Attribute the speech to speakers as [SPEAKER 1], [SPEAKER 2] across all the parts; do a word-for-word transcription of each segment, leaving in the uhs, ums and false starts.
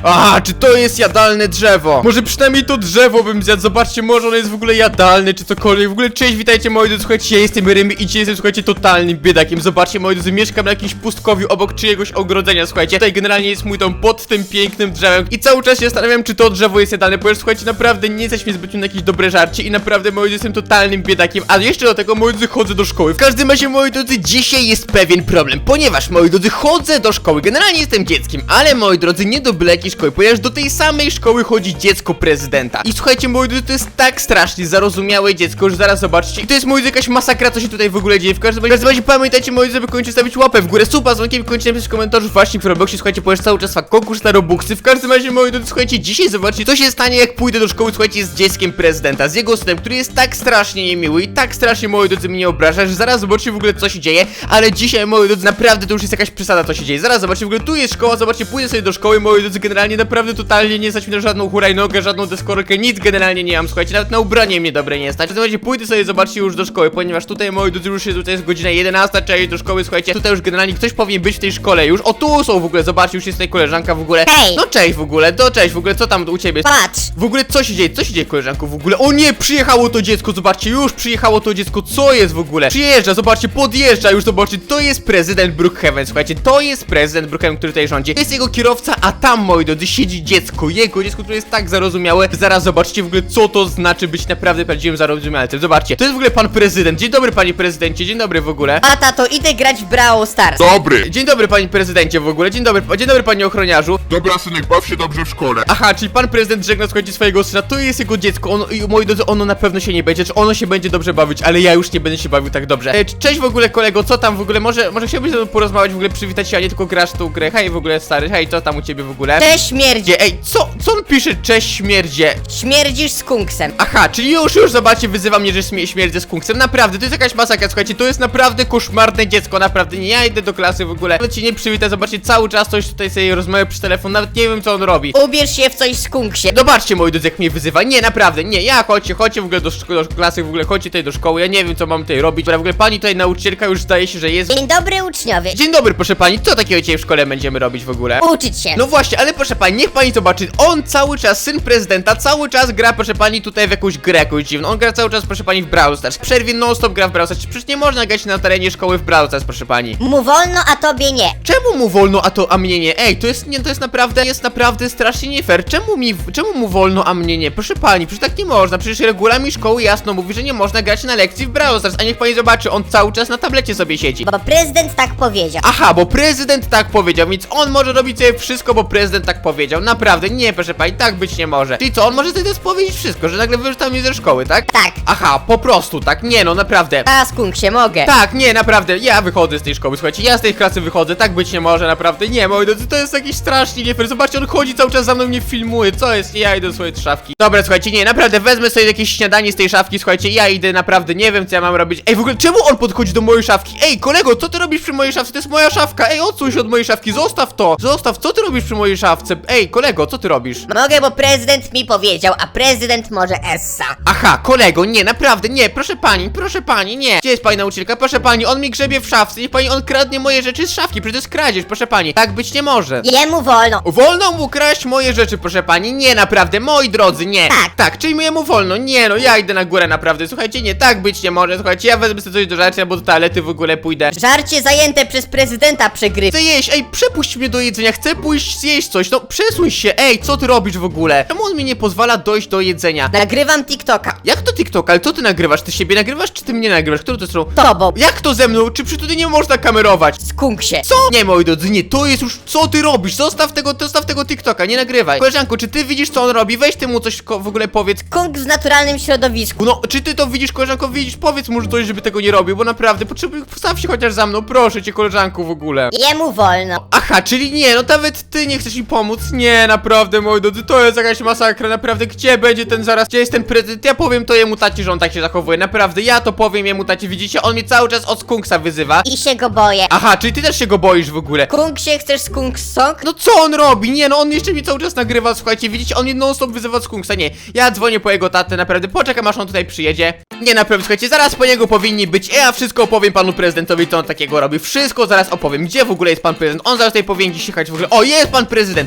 [SPEAKER 1] Aha, czy to jest jadalne drzewo? Może przynajmniej to drzewo bym zjadł. Zobaczcie, może ono jest w ogóle jadalne, czy cokolwiek. W ogóle cześć, witajcie moi drodzy, słuchajcie, ja jestem Rymy i dzisiaj jestem, słuchajcie, totalnym biedakiem. Zobaczcie, moi drodzy, mieszkam na jakimś pustkowiu obok czyjegoś ogrodzenia, słuchajcie. Tutaj generalnie jest mój dom pod tym pięknym drzewem i cały czas się zastanawiam, czy to drzewo jest jadalne, ponieważ słuchajcie, naprawdę nie jesteś mi zbytnio na jakieś dobre żarcie i naprawdę, moi drodzy, jestem totalnym biedakiem, a jeszcze do tego, moi drodzy, chodzę do szkoły. W każdym razie, moi drodzy, dzisiaj jest pewien problem, ponieważ, moi drodzy, chodzę do szkoły. Generalnie jestem dzieckiem, ale, moi drodzy, nie do byle jakiej szkoły, ponieważ do tej samej szkoły chodzi dziecko prezydenta. I słuchajcie, moi drodzy, to jest tak strasznie zarozumiałe dziecko, że zaraz zobaczcie. I to jest, moi drodzy, jakaś masakra, co się tutaj w ogóle dzieje. W każdym razie, w każdym razie pamiętajcie, moi drodzy, żeby koniecznie stawić łapę w górę, suba z dzwonkiem i koniecznie napisać w komentarzu właśnie w Robloxie, słuchajcie, ponieważ cały czas trwa konkurs na Robuxy. W każdym razie, moi drodzy, słuchajcie, dzisiaj zobaczcie, co się stanie, jak pójdę do szkoły, słuchajcie, z dzieckiem prezydenta, z jego synem, który jest tak strasznie niemiły i tak strasznie, moi drodzy, mnie obraża, że zaraz zobaczcie w ogóle, co się dzieje. Ale dzisiaj, moi drodzy, naprawdę to już jest jakaś przesada, co się dzieje. Zaraz zobaczcie, w ogóle tu jest szkoła, zobaczcie, pójdę sobie do szkoły, moi drodzy, generalnie naprawdę totalnie nie stać mi na żadną hulajnogę, żadną deskorkę, nic generalnie nie mam, słuchajcie, nawet na ubranie mnie dobre nie stać. W każdym razie pójdę sobie, zobaczcie, już do szkoły, ponieważ tutaj, moi drodzy, już jest, tutaj jest godzina jedenasta, trzeba iść do szkoły, słuchajcie, tutaj już generalnie ktoś powinien być w tej szkole już. O, tu są w ogóle, zobaczcie, już jest tutaj koleżanka w ogóle.
[SPEAKER 2] Hej!
[SPEAKER 1] No cześć w ogóle, to cześć w ogóle, co tam u ciebie?
[SPEAKER 2] Patrz!
[SPEAKER 1] W ogóle co się dzieje? Co się dzieje, koleżanko, w ogóle? O nie, przyjechało to dziecko, zobaczcie, już przyjechało to dziecko, co jest w ogóle? Przyjeżdża, zobaczcie, podjeżdża, już zobaczcie, to jest prezydent Brookhaven, słuchajcie, to jest prezydent Brookhaven, który tutaj rządzi. To jest jego kierowca, a tam, moi drodzy, siedzi dziecko, jego dziecko, które jest tak zarozumiałe. Zaraz zobaczcie w ogóle, co to znaczy być naprawdę prawdziwym zarozumialcem. Zobaczcie, to jest w ogóle pan prezydent. Dzień dobry, panie prezydencie, dzień dobry w ogóle.
[SPEAKER 2] A tato, idę grać w Brawl Stars.
[SPEAKER 3] Dobry!
[SPEAKER 1] Dzień dobry, panie prezydencie w ogóle, dzień dobry, dzień dobry, panie ochroniarzu.
[SPEAKER 3] Dobra, synek, baw się dobrze w szkole.
[SPEAKER 1] Aha, czyli pan prezydent żegna, słuchajcie, swojego syna, to jest jego dziecko, ono, i moi drodzy, ono na pewno się nie będzie, czy ono się będzie dobrze bawić, ale ja już nie będę się bawił tak dobrze. E, cześć w ogóle, kolego, co tam w ogóle, może, może chciałbyś ze mną porozmawiać, w ogóle przywitać się, a nie tylko grasz tą grę. Hej, w ogóle, stary, hej, co tam u ciebie w ogóle?
[SPEAKER 2] Cześć, śmierdzi.
[SPEAKER 1] Gdzie, ej, co, co on pisze, cześć śmierdzie?
[SPEAKER 2] Śmierdzisz z kunksem.
[SPEAKER 1] Aha, czyli już, już, zobaczcie, wyzywa mnie, że śmie śmierdzę z kunksem. Naprawdę, to jest jakaś masakra, słuchajcie, to jest naprawdę koszmarne dziecko, naprawdę, nie, ja idę do klasy w ogóle. Nawet się nie przywita, zobaczcie, cały czas coś tutaj sobie rozmawia przez telefon, nawet nie wiem, co on robi.
[SPEAKER 2] Ubierz się w coś z kunksie.
[SPEAKER 1] Zobaczcie, moi drodzy, jak mnie wyzywa. Nie, naprawdę, nie, ja chodźcie, chodźcie w ogóle do, szko- do klasy, w ogóle chodźcie tutaj do szkoły, ja nie wiem, co mam tutaj robić. Dobra, w ogóle pani tutaj nauczycielka już zdaje się, że jest.
[SPEAKER 2] Dzień dobry, uczniowie.
[SPEAKER 1] Dzień dobry, proszę pani, co takiego dzisiaj w szkole będziemy robić w ogóle?
[SPEAKER 2] Uczyć się.
[SPEAKER 1] No właśnie, ale proszę pani, niech pani zobaczy, on cały czas, syn prezydenta, cały czas gra, proszę pani, tutaj w jakąś grę jakąś dziwną. On gra cały czas, proszę pani, w Brawl Stars. W przerwie non stop gra w Brawl Stars. Przecież nie można grać na terenie szkoły w Brawl Stars, proszę pani.
[SPEAKER 2] Mu wolno, a tobie nie.
[SPEAKER 1] Czemu mu wolno, a to, a mnie nie? Ej, to jest, nie, to jest naprawdę, jest naprawdę strasznie nie fair. Czemu mi, czemu mu wolno, a mnie nie? Proszę pani, przecież tak nie można. Przecież regulamin szkoły jasno mówi, że nie można grać na lekcji w Brawl Stars. A niech pani zobaczy, on cały czas na tablecie sobie siedzi.
[SPEAKER 2] Bo prezydent tak powiedział.
[SPEAKER 1] Aha, bo prezydent tak powiedział, więc on może robić sobie wszystko, bo prezydent tak powiedział. Naprawdę, nie, proszę pani, tak być nie może. Czyli co, on może sobie teraz powiedzieć wszystko, że nagle wyrzuca mnie ze szkoły, tak?
[SPEAKER 2] Tak.
[SPEAKER 1] Aha, po prostu, tak, nie no, naprawdę.
[SPEAKER 2] A z kunksie mogę.
[SPEAKER 1] Tak, nie, naprawdę, ja wychodzę z tej szkoły, słuchajcie, ja z tej klasy wychodzę, tak być nie może, naprawdę, nie, moi drodzy, to jest jakiś strasznie nie fair, zobaczcie, on chodzi cały czas za mną, mnie filmuje, co jest, ja idę do swojej szafki. Dobra, słuchajcie, nie, naprawdę, wezmę sobie jakieś śniadanie z tej szafki, słuchajcie, ja idę, naprawdę, nie wiem, co ja mam robić. Ej, w ogóle, czemu on podchodzi do mojej szafki? Ej, kolego, co ty robisz przy mojej szafce? To jest moja szafka, ej, odsuń się od mojej szafki, zostaw to, zostaw, co ty robisz przy mojej szafce? Ej, kolego, co ty robisz?
[SPEAKER 2] Mogę, bo prezydent mi powiedział, a prezydent może essa.
[SPEAKER 1] Aha, kolego, nie, naprawdę, nie, proszę pani, proszę pani, nie. Gdzie jest pani nauczycielka? Proszę pani, on mi grzebie w szafce, niech pani, on kradnie moje rzeczy z szafki, przecież to jest kradzież, proszę pani. Tak być nie może.
[SPEAKER 2] Jemu wolno.
[SPEAKER 1] Wolno mu kraść moje rzeczy, proszę pani, nie, naprawdę, moi drodzy, nie.
[SPEAKER 2] Tak.
[SPEAKER 1] Tak, czyli jemu wolno, nie, no, ja idę na górę, naprawdę, słuchajcie, nie, tak być nie może, słuchajcie, ja wezmę sobie coś do żarcia, bo do toalety w ogóle pójdę.
[SPEAKER 2] Żarcie zajęte przez prezydenta przegrywa.
[SPEAKER 1] Chcę jeść, ej, przepuść mnie do jedzenia, chcę pójść zjeść coś, no, przesuń się, ej, co ty robisz w ogóle? Czemu on mi nie pozwala dojść do jedzenia?
[SPEAKER 2] Nagrywam TikToka.
[SPEAKER 1] Jak to TikTok, ale co ty nagrywasz? Ty siebie nagrywasz, czy ty mnie nagrywasz? Którą to są?
[SPEAKER 2] Tobą.
[SPEAKER 1] Jak to ze mną? Czy przy tutaj nie można kamerować?
[SPEAKER 2] Z kunksie.
[SPEAKER 1] Co? Nie, moi drodzy, nie, to jest już, co ty robisz? Zostaw tego, zostaw tego TikToka, nie nagrywaj. Koleżanko, czy ty widzisz, co on robi? Weź ty mu coś ko- w ogóle powiedz.
[SPEAKER 2] Kunk w naturalnym środowisku.
[SPEAKER 1] No, czy ty to widzisz, koleżanko, widzisz? Powiedz mu coś, żeby tego nie robił, bo naprawdę, potrzebuję, postaw się chociaż za mną, proszę cię, koleżanku, w ogóle.
[SPEAKER 2] Jemu wolno.
[SPEAKER 1] Aha, czyli nie, no nawet ty nie chcesz mi pomóc. Nie, naprawdę, moi drodzy, to jest jakaś masakra, naprawdę, gdzie będzie ten zaraz, gdzie jest ten prezydent? Ja powiem to jemu taci, że on tak się zachowuje, naprawdę, ja to powiem jemu taci, widzicie, on mnie cały czas od skunksa wyzywa.
[SPEAKER 2] I się go boję.
[SPEAKER 1] Aha, czyli ty też się go boisz w ogóle.
[SPEAKER 2] Kunksie, chcesz skunks song?
[SPEAKER 1] No co on robi? Nie, no on jeszcze mi cały czas nagrywa, słuchajcie, widzicie, on mnie non stop wyzywa z skunksa, nie. Ja dzwonię po jego tatę, naprawdę, poczekam aż on tutaj przyjedzie. Nie, naprawdę, słuchajcie, zaraz po niego powinni być, ja wszystko opowiem panu prezydentowi, co on takiego robi, wszystko zaraz opowiem, gdzie w ogóle jest pan prezydent, on zaraz tutaj powinien dziś jechać w ogóle, o, jest pan prezydent,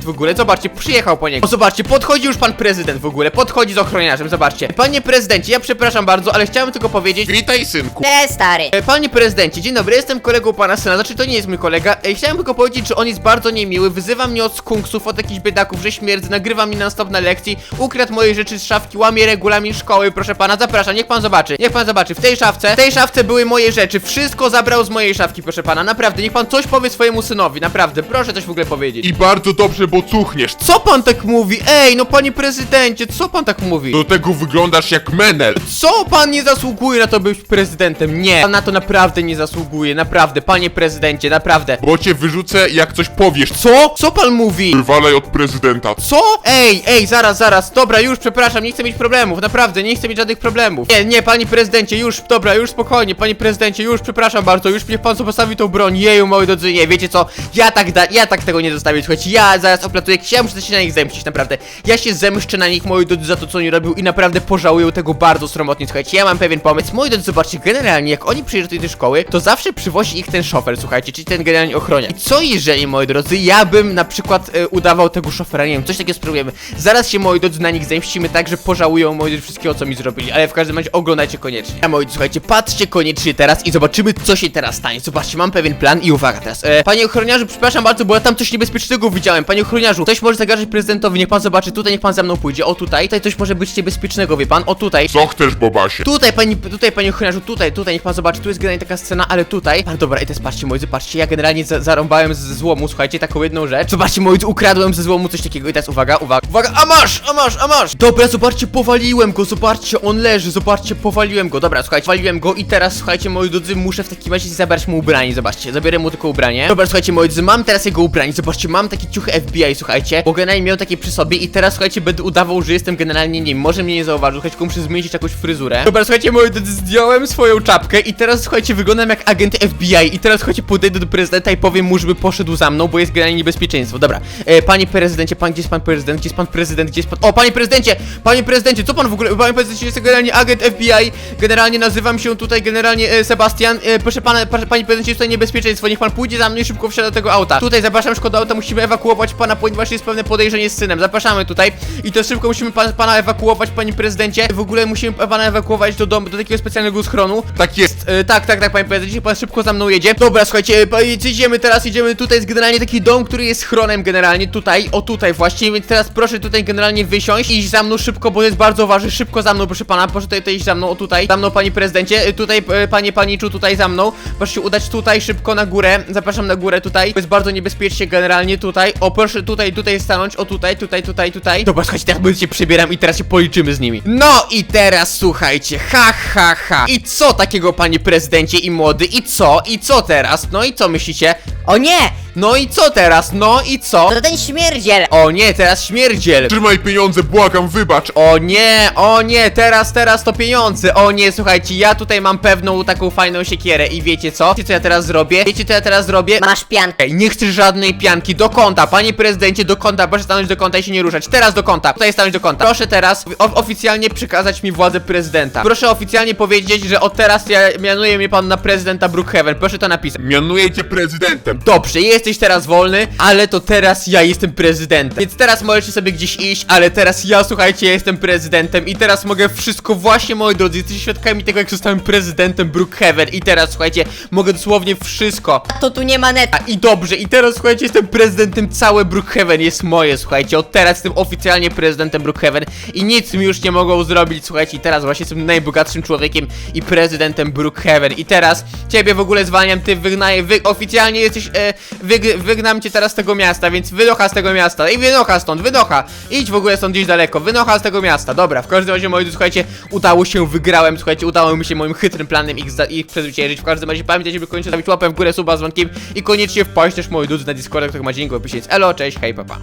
[SPEAKER 1] prezydent w ogóle, zobaczcie, przyjechał po niego. O, zobaczcie, podchodzi już pan prezydent w ogóle, podchodzi z ochroniarzem, zobaczcie. Panie prezydencie, ja przepraszam bardzo, ale chciałem tylko powiedzieć...
[SPEAKER 3] Witaj, synku.
[SPEAKER 2] Cześć, stary.
[SPEAKER 1] E, Panie prezydencie, dzień dobry, jestem kolegą pana syna, znaczy to nie jest mój kolega. E, Chciałem tylko powiedzieć, że on jest bardzo niemiły, wyzywa mnie od skunksów, od jakichś biedaków, że śmierdzi, nagrywa mi non stop na lekcji, ukradł moje rzeczy z szafki, łamie regulamin szkoły, proszę pana, zapraszam, niech pan zobaczy, niech pan zobaczy, w tej szafce, w tej szafce były moje rzeczy, wszystko zabrał z mojej szafki, proszę pana, naprawdę, niech pan coś powie swojemu synowi, naprawdę, proszę coś w ogóle powiedzieć.
[SPEAKER 3] I bardzo dobrze, bo cuchniesz.
[SPEAKER 1] Co pan tak mówi? Ej, no panie prezydencie, co pan tak mówi?
[SPEAKER 3] Do tego wyglądasz jak menel.
[SPEAKER 1] Co pan nie zasługuje na to być prezydentem? Nie, pan na to naprawdę nie zasługuje, naprawdę, panie prezydencie, naprawdę.
[SPEAKER 3] Bo cię wyrzucę, jak coś powiesz.
[SPEAKER 1] Co? Co pan mówi?
[SPEAKER 3] Wywalaj od prezydenta.
[SPEAKER 1] Co? Ej, ej, zaraz, zaraz, dobra, już, przepraszam, nie chcę mieć problemów, naprawdę, nie chcę mieć żadnych problemów. Nie, nie, panie prezydencie, już, dobra, już spokojnie, panie prezydencie, już, przepraszam bardzo, już niech pan sobie postawi tą broń, jeju, moi drodzy, nie, wiecie co, ja tak da, ja tak tego nie zostawię, słuchajcie, ja zaraz oplatuję, ja muszę się na nich zemścić, naprawdę, ja się zemszczę na nich, moi drodzy, za to, co oni robią i naprawdę pożałują tego bardzo sromotnie, słuchajcie, ja mam pewien pomysł, moi drodzy, zobaczcie, generalnie, jak oni przyjeżdżają do tej szkoły, to zawsze przywozi ich ten szofer, słuchajcie, czyli ten generalnie ochroniarz. I co jeżeli, moi drodzy, ja bym na przykład e, udawał tego szofera, nie wiem, coś takiego spróbujemy, zaraz się, moi drodzy, na nich zemścimy tak, że pożałują, moi drodzy, wszystkiego, co mi zrobili, ale w każdym razie oglądajcie koniecznie. A moi drodzy, słuchajcie, patrzcie koniecznie teraz i zobaczymy, co się teraz stanie, zobaczcie, mam pewien plan i uwaga teraz, e, panie ochroniarzu, przepraszam bardzo, bo ja tam coś niebezpiecznego widziałem, panie ochroniarzu, coś może zagrażać prezydentowi, niech pan zobaczy, tutaj niech pan za mną pójdzie, o tutaj, tutaj coś może być niebezpiecznego, wie pan, o tutaj.
[SPEAKER 3] Co chcesz, Bobasie?
[SPEAKER 1] Tutaj, pani, tutaj, panie ochroniarzu, tutaj, tutaj, niech pan zobaczy, tu jest generalnie taka scena, ale tutaj. Pan, dobra, i teraz patrzcie, moi drodzy, patrzcie, ja generalnie za zarąbałem z złomu, słuchajcie, taką jedną rzecz. Zobaczcie, moi drodzy, ukradłem ze złomu coś takiego i teraz uwaga, uwaga, uwaga, a masz, a masz, a masz! Dobra, zobaczcie, powaliłem go, zobaczcie, on leży, zobaczcie, powaliłem go, dobra, słuchajcie, powaliłem go i teraz, słuchajcie, moi drodzy, muszę w takim razie zabrać mu ubranie, zobaczcie, zabiorę mu tylko ubranie. Dobra, słuchajcie, moi drodzy, mam teraz jego ubranie, zobaczcie, mam takie ciuchy F B I, słuchajcie, bo generalnie miał takie przy sobie i teraz, słuchajcie, będę udawał, że jestem generalnie, nie wiem, może mnie nie zauważył, słuchajcie, tylko muszę zmienić jakąś fryzurę. Dobra, słuchajcie, moi drodzy, zdjąłem swoją czapkę i teraz, słuchajcie, wyglądam jak agent F B I i teraz, słuchajcie, podejdę do prezydenta i powiem mu, żeby poszedł za mną, bo jest generalnie niebezpieczeństwo. Dobra, e, panie prezydencie, pan, gdzie jest pan prezydent, gdzie jest pan prezydent, gdzie jest pan... O, panie prezydencie, panie prezydencie, co pan w ogóle, panie prezydencie, jest generalnie agent F B I, generalnie nazywam się tutaj generalnie e, Sebastian, e, proszę pana, proszę, panie prezydencie, jest tutaj niebezpieczeństwo, niech pan pójdzie za mną i szybko wsiada do tego auta. Tutaj zapraszam, szkoda auta, musimy ewakuować pana, ponieważ jest pewne podejrzenie z synem, zapraszamy tutaj i to szybko musimy pan, pana ewakuować, panie prezydencie, w ogóle musimy pana ewakuować do domu, do takiego specjalnego schronu.
[SPEAKER 3] Tak jest.
[SPEAKER 1] E, tak, tak, tak, panie prezydencie, pan szybko za mną jedzie. Dobra, słuchajcie, pa- idziemy teraz, idziemy, tutaj jest generalnie taki dom, który jest schronem generalnie, tutaj, o tutaj właśnie, więc teraz proszę tutaj generalnie wysiąść i iść za mną szybko, bo jest bardzo ważny, szybko za mną, proszę pana, proszę tutaj, tutaj iść za mną, o tutaj, za mną, panie prezydencie, e, tutaj, e, panie paniczu, tutaj za mną, proszę się udać tutaj szybko na górę, zapraszam na górę tutaj, jest bardzo niebezpiecznie generalnie tutaj, o proszę tutaj, tutaj stanąć, o tutaj, tutaj, tutaj, tutaj. Dobra, słuchajcie, teraz będę się przebieram i teraz się policzymy z nimi. No i teraz słuchajcie, ha, ha, ha. I co takiego, panie prezydencie i młody, i co, i co teraz, no i co myślicie?
[SPEAKER 2] O nie!
[SPEAKER 1] No i co teraz, no i co?
[SPEAKER 2] To ten śmierdziel!
[SPEAKER 1] O nie, teraz śmierdziel.
[SPEAKER 3] Trzymaj pieniądze, błagam, wybacz.
[SPEAKER 1] O nie, o nie, teraz, teraz to pieniądze. O nie, słuchajcie, ja tutaj mam pewną taką fajną siekierę i wiecie co? Wiecie co ja teraz zrobię? Wiecie co ja teraz zrobię?
[SPEAKER 2] Masz piankę.
[SPEAKER 1] Ej, nie chcesz żadnej pianki, do kąta, panie prezydencie, do kąta, proszę stanąć do kąta i się nie ruszać. Teraz do kąta, tutaj stanąć do kąta. Proszę teraz o- oficjalnie przekazać mi władzę prezydenta. Proszę oficjalnie powiedzieć, że od teraz ja mianuję mnie pan na prezydenta Brookhaven. Proszę to napisać.
[SPEAKER 3] Mianuję cię prezydentem.
[SPEAKER 1] Dobrze, jesteś teraz wolny, ale to teraz ja jestem prezydentem. Więc teraz możecie sobie gdzieś iść, ale teraz ja, słuchajcie, ja jestem prezydentem i teraz mogę wszystko, właśnie, moi drodzy, jesteście świadkami tego, jak zostałem prezydentem Brookhaven i teraz, słuchajcie, mogę dosłownie wszystko.
[SPEAKER 2] To tu nie ma net.
[SPEAKER 1] A i dobrze, i teraz, słuchajcie, jestem prezydentem, całe Brookhaven jest moje, słuchajcie, od teraz jestem oficjalnie prezydentem Brookhaven i nic mi już nie mogą zrobić, słuchajcie, i teraz właśnie jestem najbogatszym człowiekiem i prezydentem Brookhaven i teraz ciebie w ogóle zwalniam, ty wygnaję, wy oficjalnie jesteś, e, wyg wygnam cię teraz z tego miasta, więc wynocha z tego miasta i wynocha stąd, wynocha, idź w ogóle stąd gdzieś daleko, wynocha z tego miasta, dobra, w każdym razie, moi drodzy, słuchajcie, udało się, wygrałem, słuchajcie, udało mi się moim chytrym planem ich, ich przezwyciężyć, w każdym razie pamiętajcie, by koniecznie stawić łapę w górę, suba z dzwonkiem i koniecznie wpaść też, moi drodzy, na Discorda, który ma link w opisie, elo, cześć, hej, papa.